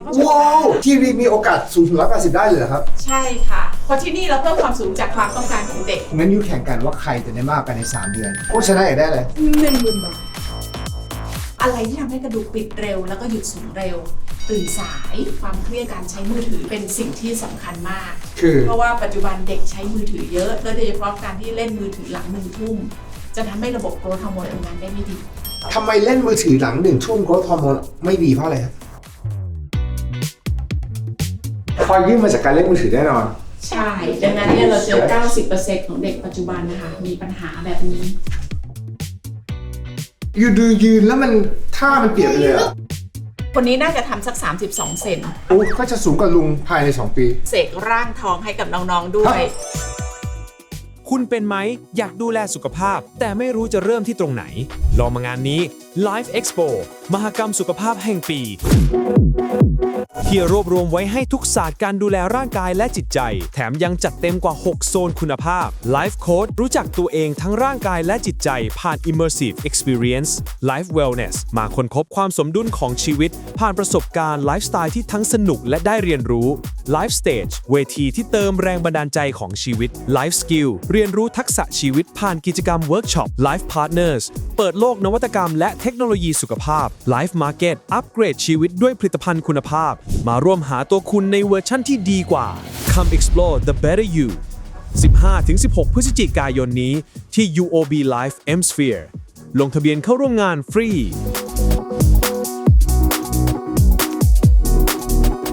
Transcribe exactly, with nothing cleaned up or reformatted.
ว้าวทีวีมีโอกาสสูงถึงร้อยแปดสิบได้เลยเหรอครับใช่ค่ะเพราะที่นี่เราเพิ่มความสูงจากความต้องการของเด็กงั้นยูแข่งกันว่าใครจะได้มากกันในสามเดือนผู้ชนะอยากได้เลยหนึ่งหมื่นบาทอะไรที่ทำให้กระดูกปิดเร็วแล้วก็หยุดสูงเร็วตื่นสายความเครียดการใช้มือถือเป็นสิ่งที่สำคัญมากคือเพราะว่าปัจจุบันเด็กใช้มือถือเยอะโดยเฉพาะการที่เล่นมือถือหลังหนึ่งทุ่มจะทำให้ระบบโกรทฮอร์โมนทำงานได้ไม่ดีทำไมเล่นมือถือหลังหนึ่งทุ่มโกรทฮอร์โมนไม่ดีเพราะอะไรครับพอยื่นมาจากการเล่นมือถือแน่นอนใช่ดังนั้นเนี่ยเราเจอ เก้าสิบเปอร์เซ็นต์ ของเด็กปัจจุบันนะคะมีปัญหาแบบนี้ยูดูยืนแล้วมันท่ามันเปลี่ยนเลยอะคนนี้น่าจะทำสักสามสิบสองเซนโอ้ก็จะสูงกว่าลุงภายในสองปีเสกร่างทองให้กับน้องๆด้วยคุณเป็นไหมอยากดูแลสุขภาพแต่ไม่รู้จะเริ่มที่ตรงไหนลองมางานนี้ Life Expo มหกรรมสุขภาพแห่งปีที่รวบรวมไว้ให้ทุกศาสตร์การดูแลร่างกายและจิตใจแถมยังจัดเต็มกว่าหกโซนคุณภาพ Life Coach รู้จักตัวเองทั้งร่างกายและจิตใจผ่าน Immersive Experience Life Wellness มาค้นพบความสมดุลของชีวิตผ่านประสบการณ์ไลฟ์สไตล์ที่ทั้งสนุกและได้เรียนรู้ Life Stage เวทีที่เติมแรงบันดาลใจของชีวิต Life Skill เรียนรู้ทักษะชีวิตผ่านกิจกรรมเวิร์กช็อป Life Partners เปิดโลกนวัตกรรมและเทคโนโลยีสุขภาพ Life Market อัปเกรดชีวิตด้วยผลิตภัณฑ์คุณภาพมาร่วมหาตัวคุณในเวอร์ชั่นที่ดีกว่า Come explore the better you สิบห้าถึงสิบหก พฤศจิกายนนี้ที่ ยู โอ บี Life M Sphere ลงทะเบียนเข้าร่วมงานฟรี